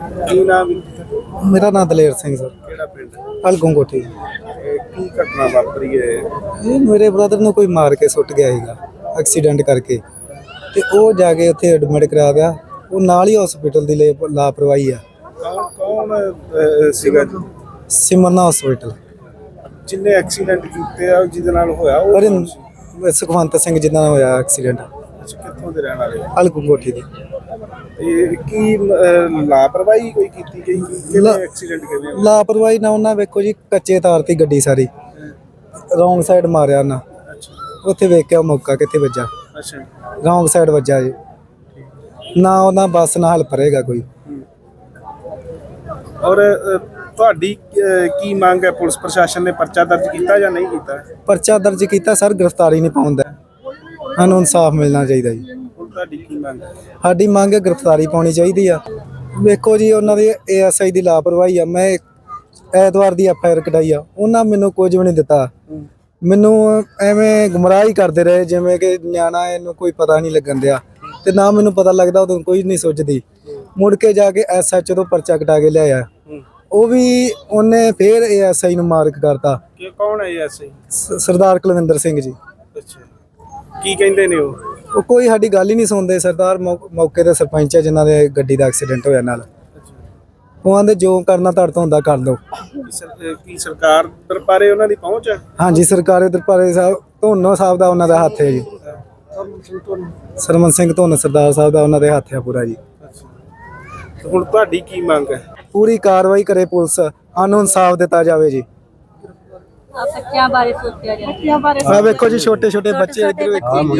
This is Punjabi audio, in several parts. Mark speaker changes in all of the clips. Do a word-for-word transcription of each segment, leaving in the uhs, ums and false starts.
Speaker 1: ਕੀ ਨਾਮ?
Speaker 2: मेरा नाम दलेर सिंह सर।
Speaker 1: ਕਿਹੜਾ ਪਿੰਡ?
Speaker 2: हलगों कोठी।
Speaker 1: ਇਹ ਕੀ ਘਟਨਾ ਵਾਪਰੀ ਹੈ?
Speaker 2: ਇਹ ਮੇਰੇ ਬ੍ਰਦਰ ਨੂੰ ਕੋਈ ਮਾਰ ਕੇ ਸੁੱਟ ਗਿਆ ਸੀਗਾ ਐਕਸੀਡੈਂਟ ਕਰਕੇ, ਤੇ ਉਹ ਜਾ ਕੇ ਉੱਥੇ ਐਡਮਿਟ ਕਰਾ ਗਿਆ। ਉਹ ਨਾਲ ਹੀ ਹਸਪੀਟਲ ਦੀ ਲੇ- ਲਾਪਰਵਾਹੀ ਆ।
Speaker 1: ਕੌਣ ਕੌਣ ਅਹ, ਸੀਗਾ ਜੀ
Speaker 2: ਸਿਮਰਨਾ ਹਸਪੀਟਲ।
Speaker 1: ਜਿਹਨੇ ਐਕਸੀਡੈਂਟ ਕੀਤੇ ਆ ਜਿਹਦੇ ਨਾਲ ਹੋਇਆ ਉਹ
Speaker 2: ਪਰ
Speaker 1: ਕੌਣ ਸੀ?
Speaker 2: ਸੁਖਵੰਤ ਸਿੰਘ ਜਿੱਦਾਂ ਹੋਇਆ ਐਕਸੀਡੈਂਟ,
Speaker 1: ਅੱਛਾ, ਕਿੱਥੋਂ ਦੇ ਰਹਿਣ ਵਾਲੇ?
Speaker 2: ਹਲਗੋਂ ਕੋਠੀ ਦੇ।
Speaker 1: ਇਹ ਕੀ ਅਹ, ਲਾਪਰਵਾਹੀ ਕੋਈ ਕੀਤੀ ਗਈ? ਕਿਵੇਂ
Speaker 2: ਲਾ-
Speaker 1: ਐਕਸੀਡੈਂਟ ਕਿਵੇਂ ਹੋਇਆ?
Speaker 2: ਲਾਪਰਵਾਹੀ ਨਾਲ ਉਹਨਾਂ ਵੇਖੋ ਜੀ ਕੱਚੇ ਤਾਰ ਤੇ ਗੱਡੀ ਸਾਰੀ ਰੌਂਗ ਸਾਈਡ ਮਾਰਿਆ ਉਹਨਾਂ।
Speaker 1: ਅੱਛਾ
Speaker 2: ਉੱਥੇ ਵੇਖਿਆ ਮੌਕਾ ਕਿੱਥੇ ਵੱਜਾ,
Speaker 1: ਅੱਛਾ
Speaker 2: ਰੌਂਗ ਸਾਈਡ ਵੱਜਾ ਜੀ। ਨਾ ਉਹਨਾਂ ਬੱਸ ਨਾਲ ਹੈਲਪ ਰਹੇਗਾ ਕੋਈ।
Speaker 1: ਔਰ ਅਹ, ਤੁਹਾਡੀ ਅਹ, ਕੀ ਮੰਗ ਹੈ? ਪੁਲਿਸ ਪ੍ਰਸ਼ਾਸਨ ਨੇ ਪਰਚਾ ਦਰਜ ਕੀਤਾ ਜਾਂ ਨਹੀਂ ਕੀਤਾ?
Speaker 2: ਪਰਚਾ ਦਰਜ ਕੀਤਾ ਸਰ, ਗ੍ਰਿਫਤਾਰੀ ਨਹੀਂ ਪਾਉਂਦਾ। ਸਾਨੂੰ ਇਨਸਾਫ ਮਿਲਣਾ ਚਾਹੀਦਾ ਜੀ।
Speaker 1: ਹੁਣ ਤੁਹਾਡੀ ਕੀ ਮੰਗ ਹੈ?
Speaker 2: ਸਾਡੀ ਮੰਗ ਹੈ ਗ੍ਰਿਫਤਾਰੀ ਪਾਉਣੀ ਚਾਹੀਦੀ ਆ। ਵੇਖੋ ਜੀ ਉਹਨਾਂ ਦੀ ਏ ਐਸ ਆਈ ਦੀ ਲਾਪਰਵਾਹੀ ਆ। ਮੈਂ ਐਤਵਾਰ ਦੀ ਐਫ ਆਈ ਆਰ ਕਢਾਈ ਆ, ਉਹਨਾਂ ਮੈਨੂੰ ਕੁਝ ਵੀ ਨਹੀਂ ਦਿੱਤਾ। ਮੈਨੂੰ ਐਵੇਂ ਗੁੰਮਰਾਹ ਹੀ ਕਰਦੇ ਰਹੇ ਜਿਵੇਂ ਕਿ ਨਿਆਣਾ, ਇਹਨੂੰ ਕੋਈ ਪਤਾ ਨਹੀਂ ਲੱਗਣ ਦਿਆ, ਤੇ ਨਾ ਮੈਨੂੰ ਪਤਾ ਲੱਗਦਾ ਉਦੋਂ ਕੋਈ ਨਹੀਂ ਸੋਚਦੀ। ਮੁੜ ਕੇ ਜਾ ਕੇ ਐਸ ਐਚ ਓ ਤੋਂ ਪਰਚਾ ਕਟਾ ਕੇ ਲਿਆਇਆ, ਉਹ ਵੀ ਉਹਨੇ ਫੇਰ ਏ ਐਸ ਆਈ ਨੂੰ ਮਾਰਕ ਕਰਤਾ।
Speaker 1: ਕਿ ਕੌਣ ਹੈ ਐਸੇ?
Speaker 2: ਸ- ਸਰਦਾਰ ਕੁਲਵਿੰਦਰ ਸਿੰਘ ਜੀ।
Speaker 1: ਅੱਛਾ, ਕੀ ਕਹਿੰਦੇ ਨੇ ਉਹ?
Speaker 2: ਉਹ ਕੋਈ ਸਾਡੀ ਗੱਲ ਹੀ ਨਹੀਂ ਸੁਣਦੇ। ਸਰਦਾਰ ਮੌ- ਮੌਕੇ ਦੇ ਸਰਪੰਚ ਹੈ ਜਿਨ੍ਹਾਂ ਦੇ ਗੱਡੀ ਦਾ ਐਕਸੀਡੈਂਟ ਹੋਇਆ ਨਾਲ। ਉਹ ਆਂਦੇ ਜੋ ਕਰਨਾ ਤੁਹਾਡੇ ਤੋਂ ਹੁੰਦਾ ਕਰ ਲਓ।
Speaker 1: ਕੀ ਸਰ- ਕੀ ਸਰਕਾਰ ਦਰਬਾਰੇ ਉਹਨਾਂ ਦੀ ਪਹੁੰਚ ਹੈ?
Speaker 2: ਹਾਂਜੀ, ਸਰਕਾਰੀ ਦਰਬਾਰੇ ਸਾਹਿਬ ਧੋਨੋ ਸਾਹਿਬ ਦਾ ਉਹਨਾਂ ਦਾ ਹੱਥ ਹੈ ਜੀ। ਸਰਮਨ ਸਿੰਘ ਧੋਨ ਸਰਦਾਰ ਸਾਹਿਬ ਦਾ ਉਹਨਾਂ ਦੇ ਹੱਥ ਹੈ ਪੂਰਾ ਜੀ।
Speaker 1: ਤੇ ਹੁਣ ਤੁਹਾਡੀ ਕੀ ਮੰਗ ਹੈ?
Speaker 2: ਪੂਰੀ ਕਾਰਵਾਈ ਕਰੇ ਪੁਲਿਸ, ਸਾਨੂੰ ਇਨਸਾਫ ਦਿੱਤਾ ਜਾਵੇ ਜੀ।
Speaker 3: ਆ ਬੱਚਿਆਂ ਬਾਰੇ ਸੋਚਿਆ ਜਾਏ। ਬੱਚਿਆਂ ਬਾਰੇ
Speaker 2: ਆ ਵੇਖੋ ਜੀ ਛੋਟੇ ਛੋਟੇ ਬੱਚੇ ਇੱਧਰ ਵੇਖੋ।
Speaker 3: ਹਾਂਜੀ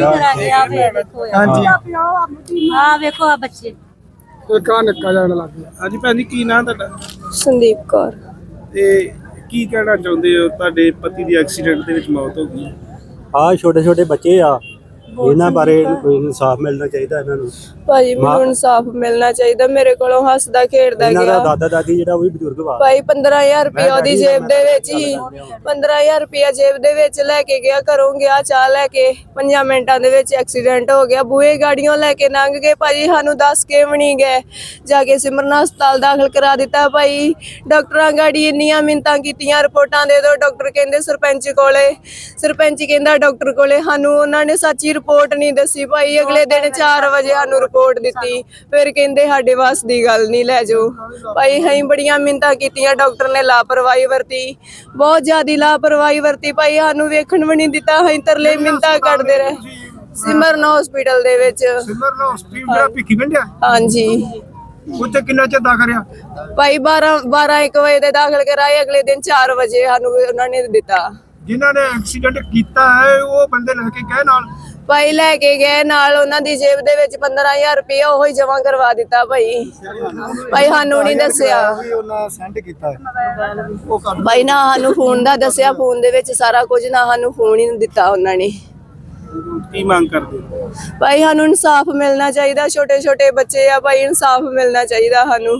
Speaker 3: ਆ ਵੇਖੋ ਆ ਬੱਚੇ।
Speaker 1: ਹਾਂਜੀ ਭੈਣ ਜੀ, ਕੀ ਨਾਮ ਤੁਹਾਡਾ?
Speaker 4: ਸੰਦੀਪ ਕੌਰ।
Speaker 1: ਤੇ ਕੀ ਕਹਿਣਾ ਚਾਹੁੰਦੇ ਹੋ? ਤੁਹਾਡੇ ਪਤੀ ਦੀ ਐਕਸੀਡੈਂਟ ਦੇ ਵਿੱਚ ਮੌਤ ਹੋ ਗਈ।
Speaker 5: ਆ ਛੋਟੇ ਛੋਟੇ ਬੱਚੇ ਆ, ਇਹਨਾਂ ਬਾਰੇ ਕੋਈ ਇਨਸਾਫ ਮਿਲਣਾ ਚਾਹੀਦਾ ਇਹਨਾਂ ਨੂੰ।
Speaker 4: ਭਾਜੀ ਮੈਨੂੰ ਇਨਸਾਫ ਮਿਲਣਾ ਚਾਹੀਦਾ। ਮੇਰੇ ਕੋਲੋਂ ਹੱਸਦਾ ਖੇਡਦਾ
Speaker 5: ਇਹਨਾਂ ਦਾ
Speaker 4: ਗਿਆ
Speaker 5: ਦਾਦਾ ਦਾਦੀ ਜਿਹੜਾ ਉਹ ਵੀ ਬਜ਼ੁਰਗ ਵਾ।
Speaker 4: ਭਾਈ ਪੰਦਰਾਂ ਹਜ਼ਾਰ ਰੁਪਇਆ ਉਹਦੀ ਜੇਬ ਦੇ ਵਿੱਚ ਹੀ ਪੰਦਰਾਂ ਹਜ਼ਾਰ ਰੁਪਇਆ ਜੇਬ ਦੇ ਵਿੱਚ ਲੈ ਕੇ ਗਿਆ। ਘਰੋਂ ਗਿਆ ਚਾਹ ਲੈ ਕੇ, ਪੰਜਾਂ ਮਿੰਟਾਂ ਦੇ ਵਿੱਚ ਐਕਸੀਡੈਂਟ ਹੋ ਗਿਆ। ਬੂਹੇ ਗਾੜੀਆਂ ਲੈ ਕੇ ਲੰਘ ਗਏ ਭਾਜੀ, ਸਾਨੂੰ ਦੱਸ ਕੇ ਵੀ ਨਹੀਂ ਗਏ। ਜਾ ਕੇ ਸਿਮਰਨ ਹਸਪਤਾਲ ਦਾਖਲ ਕਰਾ ਦਿੱਤਾ ਭਾਈ। ਡਾਕਟਰਾਂ ਗਾੜੀ ਇੰਨੀਆਂ ਮਿੰਤਾਂ ਕੀਤੀਆਂ, ਰਿਪੋਰਟਾਂ ਦੇ ਦਿਓ। ਡਾਕਟਰ ਕਹਿੰਦੇ ਸਰਪੰਚ ਕੋਲੇ, ਸਰਪੰਚ ਕਹਿੰਦਾ ਡਾਕਟਰ ਕੋਲੇ। ਸਾਨੂੰ ਉਹਨਾਂ ਨੇ ਸੱਚੀ ਰਿਪੋਰਟ ਨਹੀਂ ਦੱਸੀ ਭਾਈ। ਅਗਲੇ ਦਿਨ ਚਾਰ ਵਜੇ ਸਾਨੂੰ ਰਿਪੋਰਟ ਦਿੱਤੀ, ਫਿਰ ਕਹਿੰਦੇ ਸਾਡੇ ਵੱਸ ਦੀ ਗੱਲ ਨਹੀਂ, ਲੈ ਜਾਓ ਭਾਈ। ਅਸੀਂ ਬੜੀਆਂ ਮਿੰਤਾਂ ਕੀਤੀਆਂ, ਡਾਕਟਰ ਨੇ ਲਾਪਰਵਾਹੀ ਵਰਤੀ, ਬਹੁਤ ਜ਼ਿਆਦਾ ਲਾਪਰਵਾਹੀ ਵਰਤੀ ਭਾਈ। ਸਾਨੂੰ ਵੇਖਣ ਵੀ ਨਹੀਂ ਦਿੱਤਾ, ਅਸੀਂ ਤਰਲੇ ਮਿੰਤਾਂ ਕੱਢਦੇ ਰਹੇ। ਸਿਮਰਨ ਹਸਪੀਟਲ ਦੇ ਵਿੱਚ।
Speaker 1: ਸਿਮਰਨ ਹਸਪੀਟਲ ਜਿਹੜਾ ਭਿੱਖੀ ਪਿੰਡ ਆ,
Speaker 4: ਹਾਂਜੀ
Speaker 1: ਉੱਥੇ ਕਿੰਨਾ ਚਿਰ ਦਾਖਲ ਆ?
Speaker 4: ਭਾਈ ਬਾਰਾਂ ਬਾਰਾਂ ਇੱਕ ਵਜੇ ਦੇ ਦਾਖਲ ਕਰਾਏ, ਅਗਲੇ ਦਿਨ ਚਾਰ ਵਜੇ ਸਾਨੂੰ ਉਹਨਾਂ ਨੇ ਦਿੱਤਾ।
Speaker 1: ਜਿਨ੍ਹਾਂ ਨੇ ਐਕਸੀਡੈਂਟ ਕੀਤਾ ਹੈ ਉਹ ਬੰਦੇ ਲੈ ਕੇ ਗਏ ਨਾਲ?
Speaker 4: ਭਾਈ ਲੈ ਕੇ ਗਏ ਨਾਲ, ਉਹਨਾਂ ਦੀ ਜੇਬ ਦੇ ਵਿੱਚ ਪੰਦਰਾਂ ਹਜ਼ਾਰ ਰੁਪਇਆ ਉਹ ਹੀ ਜਮਾ ਕਰਵਾ ਦਿੱਤਾ ਭਾਈ। ਭਾਈ ਸਾਨੂੰ ਨਹੀਂ ਦੱਸਿਆ
Speaker 2: ਉਹਨਾਂ ਸੈਂਡ ਕੀਤਾ।
Speaker 4: ਭਾਈ, ਨਾ ਸਾਨੂੰ ਫੋਨ ਦਾ ਦੱਸਿਆ, ਫੋਨ ਦੇ ਵਿੱਚ ਸਾਰਾ ਕੁਝ, ਨਾ ਸਾਨੂੰ ਫੋਨ ਹੀ ਦਿੱਤਾ ਉਹਨਾਂ ਨੇ।
Speaker 1: ਕੀ ਮੰਗ ਕਰਦੇ ਹੋ?
Speaker 4: ਭਾਈ ਸਾਨੂੰ ਇਨਸਾਫ ਮਿਲਣਾ ਚਾਹੀਦਾ। ਛੋਟੇ ਛੋਟੇ ਬੱਚੇ ਆ ਭਾਈ, ਇਨਸਾਫ ਮਿਲਣਾ ਚਾਹੀਦਾ ਸਾਨੂੰ।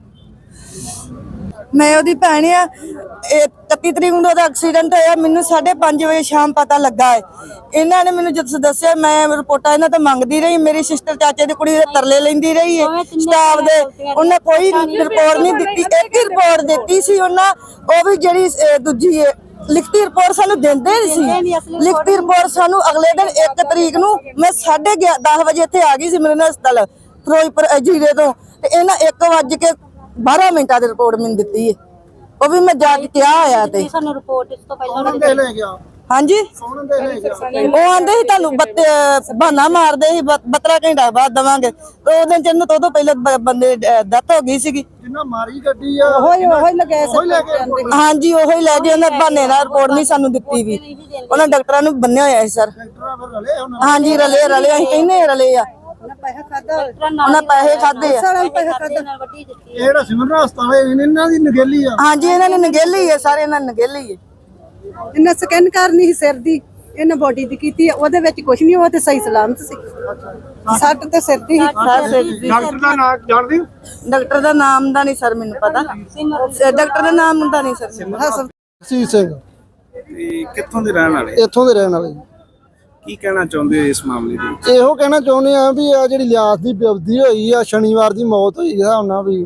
Speaker 6: ਮੈਂ ਉਹਦੀ ਭੈਣ ਆ। ਇਕੱਤੀ ਤਰੀਕ ਨੂੰ ਉਹਦਾ ਐਕਸੀਡੈਂਟ ਹੋਇਆ। ਮੈਨੂੰ ਸਾਢੇ ਪੰਜ ਵਜੇ ਸ਼ਾਮ ਪਤਾ ਲੱਗਾ ਹੈ। ਇਹਨਾਂ ਨੇ ਮੈਨੂੰ ਜਦ ਦੱਸਿਆ, ਮੈਂ ਰਿਪੋਰਟਾਂ ਇਹਨਾਂ ਤੋਂ ਮੰਗਦੀ ਰਹੀ। ਮੇਰੀ ਸਿਸਟਰ ਚਾਚੇ ਦੀ ਕੁੜੀ ਦੇ ਤਰਲੇ ਲੈਂਦੀ ਰਹੀ ਹੈ ਸਟਾਫ ਦੇ। ਉਹਨੇ ਕੋਈ ਰਿਪੋਰਟ ਨਹੀਂ ਦਿੱਤੀ। ਇੱਕ ਹੀ ਰਿਪੋਰਟ ਦਿੱਤੀ ਸੀ ਉਹਨਾਂ, ਉਹ ਵੀ ਜਿਹੜੀ ਅਹ, ਦੂਜੀ ਹੈ ਲਿਖਤੀ ਰਿਪੋਰਟ ਸਾਨੂੰ ਦਿੰਦੇ ਸੀ। ਲਿਖਤੀ ਰਿਪੋਰਟ ਸਾਨੂੰ ਅਗਲੇ ਦਿਨ ਇੱਕ ਤਰੀਕ ਨੂੰ ਮੈਂ ਸਾਢੇ ਦਸ ਵਜੇ ਇੱਥੇ ਆ ਗਈ ਸੀ ਮੇਰੇ ਹਸਪਤਾਲ ਫਿਰੋਜ਼ਪੁਰ ਜੀਰੇ ਤੋਂ, ਤੇ ਇਹਨਾਂ ਇੱਕ ਵੱਜ ਕੇ ਬਾਰਾਂ ਮਿੰਟਾਂ ਦੀ ਰਿਪੋਰਟ ਮੈਨੂੰ ਦਿੱਤੀ ਹੈ। ਉਹ ਵੀ ਮੈਂ ਜਾ ਕੇ ਕਿਹਾ ਹੋਇਆ ਤੇ
Speaker 3: ਸਾਨੂੰ ਰਿਪੋਰਟ ਇਸ ਤੋਂ ਪਹਿਲਾਂ
Speaker 6: ਹਾਂਜੀ ਉਹ ਆਂਦੇ ਸੀ ਤੁਹਾਨੂੰ ਬਹਾਨਾ ਮਾਰਦੇ ਸੀ, ਬੱਤਰਾ ਘੰਟਾ ਬਾਅਦ ਦਵਾਂਗੇ। ਉਹ ਦਿਨ ਚ ਤੋਂ ਪਹਿਲਾਂ ਬੰਦੇ ਡੈਥ ਹੋ ਗਈ ਸੀਗੀ।
Speaker 1: ਜਿੰਨਾ ਮਾਰੀ ਗੱਡੀ ਆ
Speaker 6: ਉਹੀ ਉਹੀ ਲਗੇ ਹਾਂਜੀ ਉਹੀ ਲੈ ਗਏ। ਉਹਨਾਂ ਬਹਾਨੇ ਨਾਲ ਰਿਪੋਰਟ ਨਹੀਂ ਸਾਨੂੰ ਦਿੱਤੀ ਵੀ। ਉਹਨਾਂ ਡਾਕਟਰਾਂ ਨੂੰ ਬੰਨਿਆ ਹੋਇਆ ਸੀ ਸਰ। ਹਾਂਜੀ ਰਲੇ ਰਲੇ ਅਸੀਂ ਕਹਿੰਦੇ ਰਲੇ ਆ। ਉਹਨਾਂ ਪੈਸੇ ਖਾਦੇ ਆ।
Speaker 1: ਇਹ ਜਿਹੜਾ ਸਿਮਰਨ ਹਸਪਤਾਲ ਹੈ ਇਹਨਾਂ ਦੀ ਨਗੇਲੀ ਆ।
Speaker 6: ਹਾਂਜੀ ਇਹਨਾਂ ਨੇ ਨਗੇਲੀ ਹੈ, ਸਾਰੇ ਇਹਨਾਂ ਨੇ ਨਗੇਲੀ ਹੈ।
Speaker 7: ਇਹਨਾਂ ਸਕੈਨ ਕਰਨੀ ਸੀ ਸਿਰ ਦੀ, ਇਹਨਾਂ ਬੋਡੀ ਦੀ ਕੀਤੀ, ਉਹਦੇ ਵਿੱਚ ਕੁਝ ਨਹੀਂ, ਉਹ ਤੇ ਸਹੀ ਸਲਾਮਤ ਸੀ। ਸੱਟ ਤੇ ਸਿਰ ਦੀ।
Speaker 1: ਡਾਕਟਰ ਦਾ ਨਾਮ ਜਾਣਦੇ ਹੋ?
Speaker 6: ਡਾਕਟਰ ਦਾ ਨਾਮ ਦਾ ਨਹੀਂ ਸਰ ਮੈਨੂੰ ਪਤਾ। ਡਾਕਟਰ ਦਾ ਨਾਮ ਦਾ ਨਹੀਂ ਸਰ।
Speaker 2: ਸੀ ਸਿੰਘ
Speaker 1: ਤੇ ਕਿੱਥੋਂ ਦੇ ਰਹਿਣ ਵਾਲੇ?
Speaker 2: ਇੱਥੋਂ ਦੇ ਰਹਿਣ ਵਾਲੇ।
Speaker 1: ਕੀ ਕਹਿਣਾ ਚਾਹੁੰਦੇ ਹੋ ਇਸ ਮਾਮਲੇ ਦੇ ਵਿੱਚ?
Speaker 2: ਇਹੋ ਕਹਿਣਾ ਚਾਹੁੰਦੇ ਆ ਵੀ ਆ ਜਿਹੜੀ ਲਿਆਸ ਦੀ ਵਿਅਵਧੀ ਹੋਈ ਆ, ਸ਼ਨੀਵਾਰ ਦੀ ਮੌਤ ਹੋਈ ਆ ਉਹਨਾਂ ਵੀ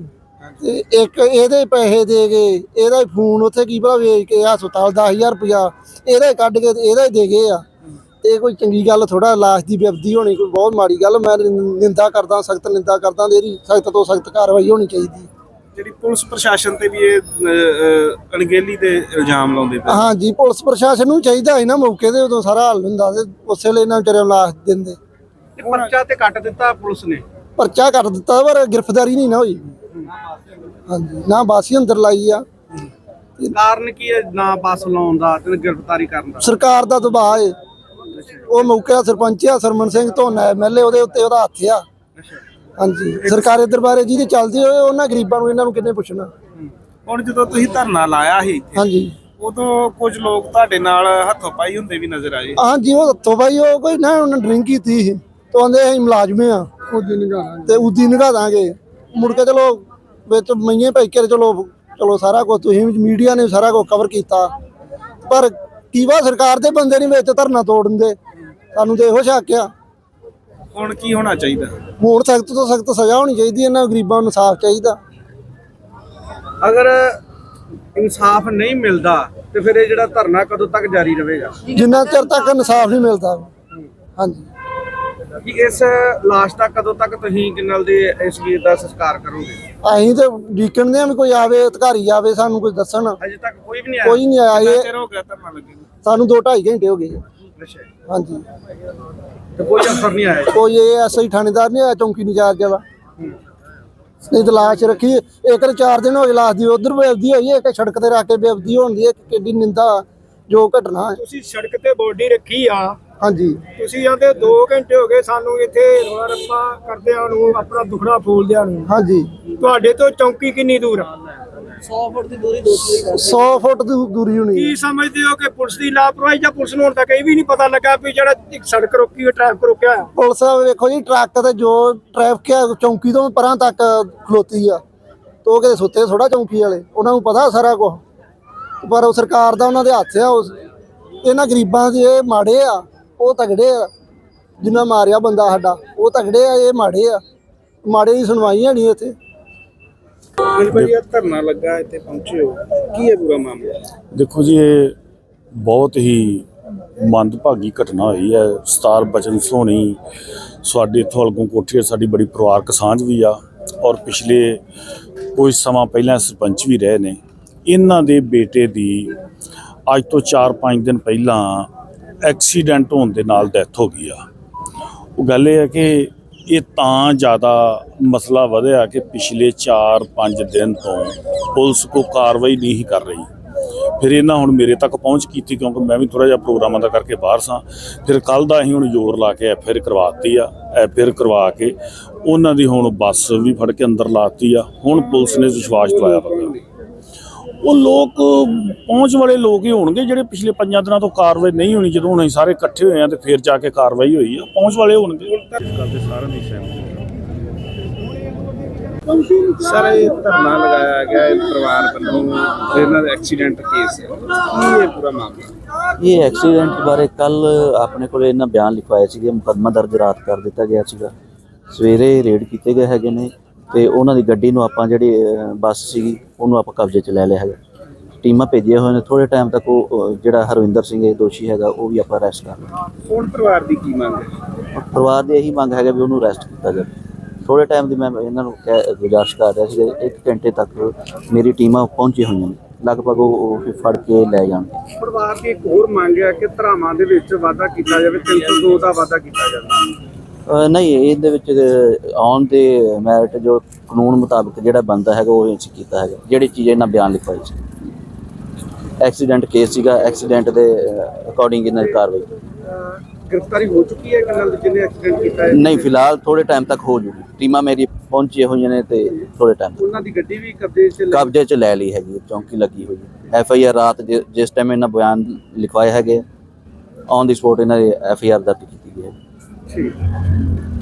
Speaker 2: ਤੇ ਇੱਕ ਇਹਦੇ ਪੈਸੇ ਦੇ ਕੇ ਇਹਦਾ ਫੋਨ ਉੱਥੇ ਕੀ ਭਲਾ ਵੇਚ ਕੇ ਹਸਪਤਾਲ ਦਸ ਹਜ਼ਾਰ ਰੁਪਇਆ ਇਹਦਾ ਹੀ ਕੱਢ ਕੇ ਤੇ ਇਹਦਾ ਹੀ ਦੇ ਗਏ ਆ। ਇਹ ਕੋਈ ਚੰਗੀ ਗੱਲ ਥੋੜਾ, ਲਾਸ਼ ਦੀ ਬੇਅਦਬੀ ਹੋਣੀ ਕੋਈ ਬਹੁਤ ਮਾੜੀ ਗੱਲ। ਮੈਂ ਨਿੰਦਾ ਕਰਦਾ, ਸਖਤ ਨਿੰਦਾ ਕਰਦਾ, ਇਹਦੀ ਸਖਤ ਤੋਂ ਸਖਤ ਕਾਰਵਾਈ ਹੋਣੀ ਚਾਹੀਦੀ।
Speaker 1: ਜਿਹੜੀ ਪੁਲਿਸ ਪ੍ਰਸ਼ਾਸਨ ਤੇ ਵੀ ਇਹ ਅਹ, ਅਹ, ਅਣਗਹਿਲੀ ਦੇ ਇਲਜ਼ਾਮ ਲਾਉਂਦੇ ਪਏ।
Speaker 2: ਹਾਂਜੀ, ਪੁਲਿਸ ਪ੍ਰਸ਼ਾਸਨ ਨੂੰ ਚਾਹੀਦਾ ਸੀ ਨਾ ਮੌਕੇ ਤੇ ਉਦੋਂ ਸਾਰਾ ਹੱਲ ਹੁੰਦਾ ਤੇ ਉਸੇ ਵੇਲੇ ਇਹਨਾਂ ਵਿਚਾਰਿਆਂ ਨੂੰ ਲਾਸ਼ ਦਿੰਦੇ।
Speaker 1: ਪਰਚਾ ਤੇ ਕੱਟ ਦਿੱਤਾ ਪੁਲਿਸ ਨੇ।
Speaker 2: ਪਰਚਾ ਕੱਟ ਦਿੱਤਾ ਪਰ ਗ੍ਰਿਫਤਾਰੀ ਨਹੀਂ ਨਾ ਹੋਈ। ਹਾਂਜੀ, ਨਾ ਬਾਸੀ ਅੰਦਰ ਲਾਈ ਆ।
Speaker 1: ਕਾਰਨ ਕੀ ਹੈ ਨਾ ਬੱਸ ਲਾਉਣ ਦਾ ਤੇ ਗ੍ਰਿਫਤਾਰੀ ਕਰਨ ਦਾ? ਸਰਕਾਰ
Speaker 2: ਦਾ ਦਬਾਅ ਹੈ। ਉਹ ਮੌਕੇ ਦਾ ਸਰਪੰਚ ਆ Sarman Singh Dhona M L A, ਉਹਦੇ ਉੱਤੇ ਉਹਦਾ ਹੱਥ ਆ। ਹਾਂਜੀ, ਸਰਕਾਰੀ ਦਰਬਾਰੇ ਜਿਹਦੇ ਚੱਲਦੇ ਹੋਏ ਉਹਨਾਂ ਗਰੀਬਾਂ ਨੂੰ ਇਹਨਾਂ ਨੂੰ ਕਿੰਨੇ ਪੁੱਛਣਾ।
Speaker 1: ਹੁਣ ਜਦੋਂ ਤੁਸੀਂ ਧਰਨਾ ਲਾਇਆ ਸੀ
Speaker 2: ਹਾਂਜੀ,
Speaker 1: ਉਦੋਂ ਕੁਝ ਲੋਕ ਤੁਹਾਡੇ ਨਾਲ ਹੱਥੋਂ ਪਾਈ ਹੁੰਦੇ ਵੀ ਨਜ਼ਰ ਆਏ।
Speaker 2: ਹਾਂਜੀ, ਉਹ ਹੱਥੋਂ ਬਾਈ ਉਹ ਕੋਈ ਨਾ ਉਹਨਾਂ ਡਰਿੰਕ ਕੀਤੀ ਸੀ ਤੇ ਆਂਦੇ ਅਸੀਂ ਮੁਲਾਜ਼ਮੇ ਆ ਤੇ ਉਦੀ ਨਿਗਾਹ ਦਾਂਗੇ। ਮੁੜ ਕੇ ਚਲੋ ਵਿੱਚ ਮਈਏ ਭਾਈ ਕੇ ਚਲੋ ਚਲੋ ਸਾਰਾ ਕੁਝ ਤੁਸੀਂ ਮੀਡੀਆ ਨੇ ਸਾਰਾ ਕੁਝ ਕਵਰ ਕੀਤਾ, ਪਰ ਕੀ ਵਾ ਸਰਕਾਰ ਦੇ ਬੰਦੇ ਨਹੀਂ ਵਿੱਚ ਧਰਨਾ ਤੋੜਨ ਦੇ। ਸਾਨੂੰ ਤੇ ਇਹੋ ਸ਼ੱਕ ਆ।
Speaker 1: ਹੁਣ ਕੀ ਹੋਣਾ ਚਾਹੀਦਾ?
Speaker 2: ਹੁਣ ਸਖਤ ਤੋਂ ਸਖਤ ਸਜ਼ਾ ਹੋਣੀ ਚਾਹੀਦੀ। ਇਹਨਾਂ ਗਰੀਬਾਂ ਨੂੰ ਇਨਸਾਫ ਚਾਹੀਦਾ।
Speaker 1: ਅਗਰ ਇਨਸਾਫ ਨਹੀਂ ਮਿਲਦਾ ਤੇ ਫਿਰ ਇਹ ਜਿਹੜਾ ਧਰਨਾ ਕਦੋਂ ਤੱਕ ਜਾਰੀ ਰਹੇਗਾ?
Speaker 2: ਜਿੰਨਾ ਚਿਰ ਤੱਕ ਇਨਸਾਫ ਨਹੀਂ ਮਿਲਦਾ। ਹਾਂਜੀ,
Speaker 1: ਕਿ ਇਸ ਲਾਸ਼ ਦਾ ਕਦੋਂ ਤੱਕ ਤੁਸੀਂ ਕਿੰਨਲ ਦੇ ਇਸ ਵੀਰ ਦਾ ਸੰਸਕਾਰ ਕਰੋਗੇ?
Speaker 2: ਅਸੀਂ ਤੇ ਡੀਕਣਦੇ ਆ ਵੀ ਕੋਈ ਆਵੇ, ਅਧਿਕਾਰੀ ਆਵੇ, ਸਾਨੂੰ ਕੁਝ ਦੱਸਣ।
Speaker 1: ਅਜੇ ਤੱਕ ਕੋਈ ਵੀ ਨਹੀਂ ਆਇਆ।
Speaker 2: ਕੋਈ ਨਹੀਂ ਆਇਆ।
Speaker 1: ਕਿੰਨਾ
Speaker 2: ਇਹ
Speaker 1: ਚਿਰ ਹੋ ਗਿਆ ਧਰਨਾ ਲੱਗੇ ਨੂੰ?
Speaker 2: ਸਾਨੂੰ ਦੋ ਢਾਈ ਘੰਟੇ ਹੋ ਗਏ।
Speaker 1: ਅੱਛਾ,
Speaker 2: ਹਾਂਜੀ,
Speaker 1: ਤੇ ਕੋਈ ਅਫਸਰ ਨਹੀਂ ਆਇਆ?
Speaker 2: ਕੋਈ ਇਹ ਐਸਆਈ ਥਾਣੇਦਾਰ ਨਹੀਂ ਆਇਆ, ਚੌਂਕੀ ਇੰਚਾਰਜ ਵਾਲਾ। ਨਹੀਂ ਤਾਂ ਲਾਸ਼ ਰੱਖੀ ਇੱਕ ਤੇ ਚਾਰ ਦਿਨ ਹੋ ਗਏ ਲਾਸ਼ ਦੀ ਉਧਰ ਬੇਅਦਬੀ ਹੋਈ ਹੈ, ਇੱਕ ਸੜਕ ਤੇ ਰੱਖ ਕੇ ਬੇਅਦਬੀ ਹੋਣ ਦੀ ਹੈ। ਕਿੱਡੀ ਨਿੰਦਾ ਜੋ ਘਟਨਾ ਹੈ।
Speaker 8: ਤੁਸੀਂ ਸੜਕ ਤੇ ਬੋਡੀ ਰੱਖੀ ਆ,
Speaker 2: ਹਾਂਜੀ,
Speaker 8: ਤੁਸੀਂ ਆਂਦੇ ਦੋ ਘੰਟੇ ਹੋ ਗਏ ਸਾਨੂੰ ਇੱਥੇ ਰੋਲਾ ਰੱਪਾ ਕਰਦਿਆਂ ਨੂੰ, ਆਪਣਾ ਦੁਖੜਾ ਫੋਲਦਿਆਂ ਨੂੰ।
Speaker 2: ਹਾਂਜੀ,
Speaker 8: ਤੁਹਾਡੇ ਤੋਂ ਚੌਂਕੀ ਕਿੰਨੀ ਦੂਰ ਆ?
Speaker 2: ਸੌ ਫੁੱਟ ਦੀ ਦੂਰੀ ਹੋਣੀ।
Speaker 8: ਕੀ ਸਮਝਦੇ ਹੋ ਕਿ ਪੁਲਿਸ ਦੀ ਲਾਪਰਵਾਹੀ ਜਾਂ ਪੁਲਿਸ ਨੂੰ ਹੁਣ ਤੱਕ ਇਹ ਵੀ ਨਹੀਂ ਪਤਾ ਲੱਗਾ ਵੀ ਜਿਹੜਾ ਇੱਕ ਸੜਕ ਰੋਕੀ ਹੋਈ ਟ੍ਰੈਫਿਕ ਰੋਕਿਆ ਆ?
Speaker 2: ਪੁਲਿਸ ਵੇਖੋ ਜੀ, ਟਰੱਕ ਤੇ ਜੋ ਟ੍ਰੈਫਿਕ ਆ ਚੌਂਕੀ ਤੋਂ ਪਰਾਂ ਤੱਕ ਖਲੋਤੀ ਆ, ਤੇ ਉਹ ਕਿਤੇ ਸੁੱਤੇ ਥੋੜਾ ਚੌਂਕੀ ਵਾਲੇ, ਉਹਨਾਂ ਨੂੰ ਪਤਾ ਸਾਰਾ ਕੁਝ। ਪਰ ਉਹ ਸਰਕਾਰ ਦਾ ਉਹਨਾਂ ਦੇ ਹੱਥ ਆ। ਉਸ ਇਹਨਾਂ ਗਰੀਬਾਂ ਦੇ ਇਹ ਮਾੜੇ ਆ, ਉਹ ਤਗੜੇ ਆ। ਜਿੰਨਾ ਮਾਰਿਆ ਬੰਦਾ ਸਾਡਾ ਉਹ ਤਗੜੇ ਆ, ਇਹ ਮਾੜੇ ਆ। ਮਾੜੇ ਦੀ ਸੁਣਵਾਈ ਹੈ ਨਹੀਂ ਇੱਥੇ।
Speaker 1: ਬਿਲਕੁਲ ਇਹ ਧਰਨਾ ਲੱਗਾ, ਇੱਥੇ ਪਹੁੰਚੇ ਹੋ, ਕੀ ਹੈ ਪੂਰਾ ਮਾਮਲਾ?
Speaker 9: ਦੇਖੋ ਜੀ, ਇਹ ਬਹੁਤ ਹੀ ਮੰਦਭਾਗੀ ਘਟਨਾ ਹੋਈ ਹੈ। ਸਤਾਰ ਬਚਨ ਸੋਹਣੀ ਸਾਡੇ ਇੱਥੋਂ ਅਲਗੋਂ ਕੋਠੀ ਸਾਡੀ ਬੜੀ ਪਰਿਵਾਰਕ ਸਾਂਝ ਵੀ ਆ, ਔਰ ਪਿਛਲੇ ਕੁਝ ਸਮਾਂ ਪਹਿਲਾਂ ਸਰਪੰਚ ਵੀ ਰਹੇ ਨੇ। ਇਹਨਾਂ ਦੇ ਬੇਟੇ ਦੀ ਅੱਜ ਤੋਂ ਚਾਰ ਪੰਜ ਦਿਨ ਪਹਿਲਾਂ ਐਕਸੀਡੈਂਟ ਹੋਣ ਦੇ ਨਾਲ ਡੈਥ ਹੋ ਗਈ ਆ। ਉਹ ਗੱਲ ਇਹ ਹੈ ਕਿ ਇਹ ਤਾਂ ਜ਼ਿਆਦਾ ਮਸਲਾ ਵਧਿਆ ਕਿ ਪਿਛਲੇ ਚਾਰ ਪੰਜ ਦਿਨ ਤੋਂ ਪੁਲਿਸ ਕੋ ਕਾਰਵਾਈ ਨਹੀਂ ਕਰ ਰਹੀ। ਫਿਰ ਇਹਨਾਂ ਹੁਣ ਮੇਰੇ ਤੱਕ ਪਹੁੰਚ ਕੀਤੀ, ਕਿਉਂਕਿ ਮੈਂ ਵੀ ਥੋੜ੍ਹਾ ਜਿਹਾ ਪ੍ਰੋਗਰਾਮਾਂ ਦਾ ਕਰਕੇ ਬਾਹਰ ਸਾਂ। ਫਿਰ ਕੱਲ੍ਹ ਦਾ ਅਸੀਂ ਹੁਣ ਜ਼ੋਰ ਲਾ ਕੇ ਐਫ ਆਈ ਆਰ ਕਰਵਾਤੀ ਆ। ਐਫ ਆਈ ਆਰ ਕਰਵਾ ਕੇ ਉਹਨਾਂ ਦੀ ਹੁਣ ਬੱਸ ਵੀ ਫੜ ਕੇ ਅੰਦਰ ਲਾਤੀ ਆ। ਹੁਣ ਪੁਲਿਸ ਨੇ ਵਿਸ਼ਵਾਸ ਦਿਵਾਇਆ ਵਾ। ਉਹ ਲੋਕ ਪਹੁੰਚ ਵਾਲੇ ਲੋਕ ਹੀ ਹੋਣਗੇ ਜਿਹੜੇ ਪਿਛਲੇ ਪੰਜਾਂ ਦਿਨਾਂ ਤੋਂ ਕਾਰਵਾਈ ਨਹੀਂ ਹੋਣੀ। ਜਦੋਂ ਹੁਣ ਅਸੀਂ ਸਾਰੇ ਇਕੱਠੇ ਹੋਏ ਆ ਤੇ ਫਿਰ ਜਾ ਕੇ ਕਾਰਵਾਈ ਹੋਈ ਆ, ਪਹੁੰਚ ਵਾਲੇ ਹੋਣਗੇ।
Speaker 1: ਸਰ, ਇਹ ਧਰਨਾ ਲਗਾਇਆ ਗਿਆ ਹੈ ਪਰਿਵਾਰ ਵੱਲੋਂ, ਇਹਨਾਂ ਦਾ ਐਕਸੀਡੈਂਟ ਕੇਸ ਹੈ, ਕੀ ਹੈ ਪੂਰਾ ਮਾਮਲਾ?
Speaker 10: ਇਹ ਐਕਸੀਡੈਂਟ ਬਾਰੇ ਕੱਲ ਆਪਣੇ ਕੋਲ ਇਹਨਾਂ ਬਿਆਨ ਲਿਖਵਾਏ ਸੀਗੇ, ਮੁਕੱਦਮਾ ਦਰਜ ਰਾਤ ਕਰ ਦਿੱਤਾ ਗਿਆ ਸੀਗਾ। ਸਵੇਰੇ ਰੇਡ ਕੀਤੇ ਗਏ ਹੈਗੇ ਨੇ ਤੇ ਉਹਨਾਂ ਦੀ ਗੱਡੀ ਨੂੰ ਆਪਾਂ ਜਿਹੜੀ ਬੱਸ ਸੀਗੀ ਉਹਨੂੰ ਆਪਾਂ ਕਬਜ਼ੇ 'ਚ ਲੈ ਲਿਆ ਹੈਗਾ। ਟੀਮਾਂ ਭੇਜੀਆਂ ਹੋਏ ਨੇ। ਥੋੜ੍ਹੇ ਟਾਈਮ ਤੱਕ ਉਹ ਜਿਹੜਾ ਹਰਵਿੰਦਰ ਸਿੰਘ ਇਹ ਦੋਸ਼ੀ ਹੈਗਾ ਉਹ ਵੀ ਆਪਾਂ ਅਰੈਸਟ ਕਰ ਲਿਆ।
Speaker 1: ਹੁਣ ਪਰਿਵਾਰ ਦੀ ਕੀ ਮੰਗ ਹੈ?
Speaker 10: ਪਰਿਵਾਰ ਦੀ ਇਹੀ ਮੰਗ ਹੈਗਾ ਵੀ ਉਹਨੂੰ ਅਰੈਸਟ ਕੀਤਾ ਜਾਵੇ। ਥੋੜ੍ਹੇ ਟਾਈਮ ਦੀ ਮੈਂ ਇਹਨਾਂ ਨੂੰ ਕਹਿ ਗੁਜ਼ਾਰਿਸ਼ ਕਰ ਰਿਹਾ ਸੀ, ਇੱਕ ਘੰਟੇ ਤੱਕ ਮੇਰੀ ਟੀਮਾਂ ਪਹੁੰਚੀ ਹੋਈਆਂ ਨੇ, ਲਗਭਗ ਉਹ ਫੜ ਕੇ ਲੈ ਜਾਣਗੇ।
Speaker 1: ਪਰਿਵਾਰ ਦੀ ਇੱਕ ਹੋਰ ਮੰਗ ਹੈ ਕਿ ਧਰਾਵਾਂ ਦੇ ਵਿੱਚ ਵਾਧਾ ਕੀਤਾ ਜਾਵੇ, ਤਿੰਨ ਸੌ ਦੋ ਦਾ ਵਾਧਾ ਕੀਤਾ ਜਾਵੇ।
Speaker 10: ਨਹੀਂ, ਇਹਦੇ ਵਿੱਚ ਆਉਣ ਦੇ ਮੈਰਿਟ ਜੋ ਕਾਨੂੰਨ ਮੁਤਾਬਕ ਜਿਹੜਾ ਬਣਦਾ ਹੈਗਾ ਉਹ ਅਸੀਂ ਕੀਤਾ ਹੈਗਾ। ਜਿਹੜੀ ਚੀਜ਼ ਇਹਨਾਂ ਬਿਆਨ ਲਿਖਵਾਈ ਸੀ, ਐਕਸੀਡੈਂਟ ਕੇਸ ਸੀਗਾ, ਐਕਸੀਡੈਂਟ ਦੇ ਅਕੋਰਡਿੰਗ ਇਹਨਾਂ ਦੀ ਕਾਰਵਾਈ।
Speaker 1: ਗ੍ਰਿਫਤਾਰੀ ਹੋ ਚੁੱਕੀ ਹੈ ਕਿ ਨਾਲ ਜਿਹਨੇ ਐਕਸੀਡੈਂਟ ਕੀਤਾ ਹੈ?
Speaker 10: ਨਹੀਂ, ਫਿਲਹਾਲ ਥੋੜੇ ਟਾਈਮ ਤੱਕ ਹੋ ਜੂਗੀ। ਟੀਮਾਂ ਮੇਰੀ ਪਹੁੰਚੀਆਂ ਹੋਈਆਂ ਨੇ ਤੇ ਥੋੜੇ ਟਾਈਮ
Speaker 1: ਉਹਨਾਂ ਦੀ ਗੱਡੀ ਵੀ ਕਬਜ਼ੇ 'ਚ
Speaker 10: ਕਬਜ਼ੇ 'ਚ ਲੈ ਲਈ ਹੈਗੀ, ਚੌਂਕੀ ਲੱਗੀ ਹੋਈ ਹੈ। ਐਫ ਆਈ ਆਰ ਰਾਤ ਜਿਸ ਟਾਈਮ ਇਹਨਾਂ ਬਿਆਨ ਲਿਖਵਾਏ ਹੈਗੇ, ਔਨ ਦੀ ਸਪੋਟ ਇਹਨਾਂ ਦੀ ਐਫ ਆਈ ਆਰ ਦਰਜ ਕੀਤੀ ਗਈ ਹੈ।
Speaker 1: ਠੀਕ।